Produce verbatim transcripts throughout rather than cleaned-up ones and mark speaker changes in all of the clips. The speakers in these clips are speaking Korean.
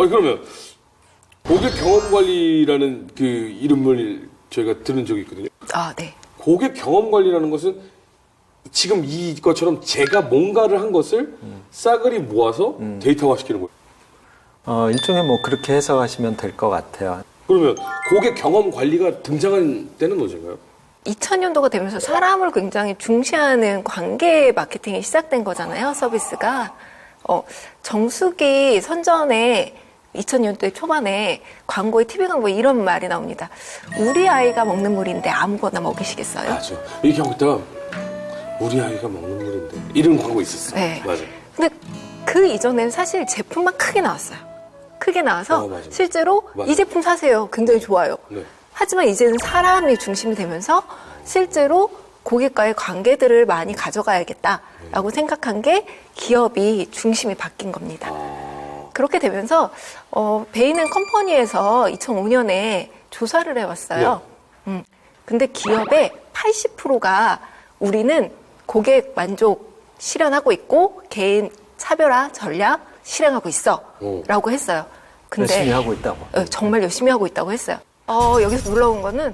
Speaker 1: 아니, 그러면 고객 경험 관리라는 그 이름을 저희가 들은 적이 있거든요.
Speaker 2: 아, 네.
Speaker 1: 고객 경험 관리라는 것은 지금 이것처럼 제가 뭔가를 한 것을 음. 싸그리 모아서 음. 데이터화 시키는 거예요.
Speaker 3: 어, 일종의 뭐 그렇게 해석하시면 될 것 같아요.
Speaker 1: 그러면 고객 경험 관리가 등장한 때는 언제인가요?
Speaker 2: 이천 년도가 되면서 사람을 굉장히 중시하는 관계 마케팅이 시작된 거잖아요, 서비스가. 어, 정수기 선전에 이천 년도에 초반에 광고에, 티비 광고에 이런 말이 나옵니다. 우리 아이가 먹는 물인데 아무거나 먹이시겠어요?
Speaker 1: 맞아. 이렇게 하고 있다가 우리 아이가 먹는 물인데 이런 광고 있었어요.
Speaker 2: 네.
Speaker 1: 맞아.
Speaker 2: 근데 그 이전에는 사실 제품만 크게 나왔어요. 크게 나와서
Speaker 1: 어, 맞아.
Speaker 2: 실제로
Speaker 1: 맞아.
Speaker 2: 이 제품 사세요. 굉장히 좋아요.
Speaker 1: 네.
Speaker 2: 하지만 이제는 사람이 중심이 되면서 실제로 고객과의 관계들을 많이 가져가야겠다라고 생각한 게 기업이 중심이 바뀐 겁니다.
Speaker 1: 아...
Speaker 2: 그렇게 되면서 어, 베이는 컴퍼니에서 이천오 년에 조사를 해왔어요.
Speaker 1: 네.
Speaker 2: 음, 근데 기업의 팔십 퍼센트가 우리는 고객 만족 실현하고 있고 개인 차별화 전략 실행하고 있어
Speaker 1: 오.
Speaker 2: 라고 했어요. 근데
Speaker 3: 열심히 하고 있다고.
Speaker 2: 어, 정말 열심히 하고 있다고 했어요. 어, 여기서 놀라운 거는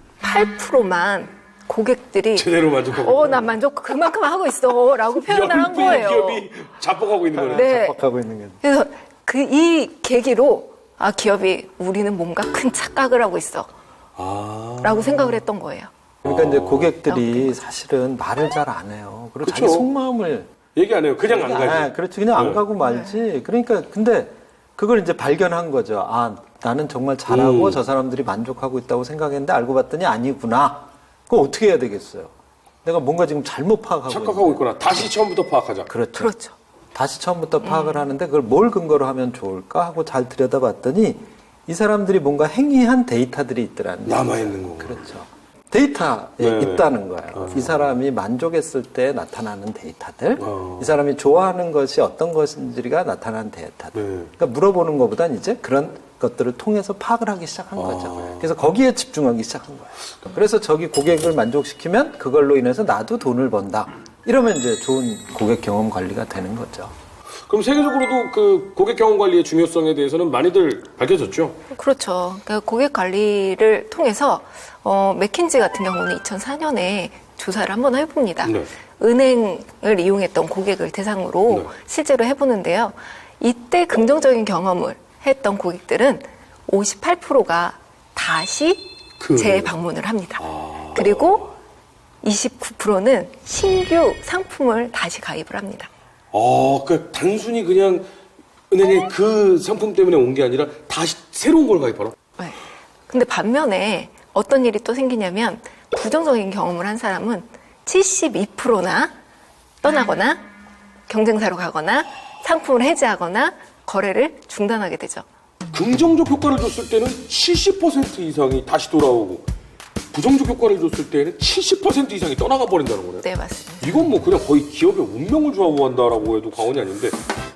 Speaker 2: 팔 퍼센트만 고객들이
Speaker 1: 제대로 만족하고
Speaker 2: 어, 난 만족 그만큼 하고 있어 라고 표현을 한
Speaker 1: 연필
Speaker 2: 거예요.
Speaker 1: 기업이 자뻑하고 있는 거네요.
Speaker 2: 네.
Speaker 3: 하고 있는 게.
Speaker 2: 그래서 그 이 계기로 아, 기업이 우리는 뭔가 큰 착각을 하고 있어
Speaker 1: 아...
Speaker 2: 라고 생각을 했던 거예요.
Speaker 3: 그러니까 이제
Speaker 2: 나오게
Speaker 3: 고객들이
Speaker 2: 된
Speaker 3: 사실은 말을 잘 안 해요. 그리고
Speaker 1: 그쵸.
Speaker 3: 자기 속마음을
Speaker 1: 얘기 안 해요. 그냥 안 가지.
Speaker 3: 아, 그렇지. 그냥 안
Speaker 1: 네.
Speaker 3: 가고 말지. 그러니까 근데 그걸 이제 발견한 거죠. 아, 나는 정말 잘하고
Speaker 1: 음.
Speaker 3: 저 사람들이 만족하고 있다고 생각했는데 알고 봤더니 아니구나. 그럼 어떻게 해야 되겠어요? 내가 뭔가 지금 잘못 파악하고
Speaker 1: 착각하고 있구나. 다시 처음부터 파악하자.
Speaker 3: 그렇죠.
Speaker 2: 그렇죠.
Speaker 3: 다시 처음부터 파악을 하는데 그걸 뭘 근거로 하면 좋을까 하고 잘 들여다봤더니 이 사람들이 뭔가 행위한 데이터들이 있더라는 거예요.
Speaker 1: 남아있는 거고.
Speaker 3: 그렇죠. 데이터에
Speaker 1: 네.
Speaker 3: 있다는 거예요.
Speaker 1: 어.
Speaker 3: 이 사람이 만족했을 때 나타나는 데이터들,
Speaker 1: 어.
Speaker 3: 이 사람이 좋아하는 것이 어떤 것인지가 나타나는 데이터들.
Speaker 1: 네.
Speaker 3: 그러니까 물어보는 것보단 이제 그런 것들을 통해서 파악을 하기 시작한
Speaker 1: 어.
Speaker 3: 거죠. 그래서 거기에 집중하기 시작한 거예요. 그래서 저기 고객을 만족시키면 그걸로 인해서 나도 돈을 번다. 이러면 이제 좋은 고객 경험 관리가 되는 거죠.
Speaker 1: 그럼 세계적으로도 그 고객 경험 관리의 중요성에 대해서는 많이들 밝혀졌죠?
Speaker 2: 그렇죠. 그러니까 고객 관리를 통해서 어, 맥킨지 같은 경우는 이천사 년에 조사를 한번 해봅니다.
Speaker 1: 네.
Speaker 2: 은행을 이용했던 고객을 대상으로
Speaker 1: 네.
Speaker 2: 실제로 해보는데요. 이때 긍정적인 경험을 했던 고객들은 오십팔 퍼센트가 다시
Speaker 1: 그...
Speaker 2: 재방문을 합니다.
Speaker 1: 아...
Speaker 2: 그리고 이십구 퍼센트는 신규 상품을 다시 가입을 합니다.
Speaker 1: 아, 그러니까 단순히 그냥 은행에 그 상품 때문에 온 게 아니라 다시 새로운 걸 가입하라?
Speaker 2: 네. 근데 반면에 어떤 일이 또 생기냐면 부정적인 경험을 한 사람은 칠십이 퍼센트나 떠나거나 경쟁사로 가거나 상품을 해지하거나 거래를 중단하게 되죠.
Speaker 1: 긍정적 효과를 줬을 때는 칠십 퍼센트 이상이 다시 돌아오고 부정적 효과를 줬을 때는 칠십 퍼센트 이상이 떠나가 버린다는 거네요.
Speaker 2: 네, 맞습니다.
Speaker 1: 이건 뭐 그냥 거의 기업의 운명을 좌우한다라고 해도 과언이 아닌데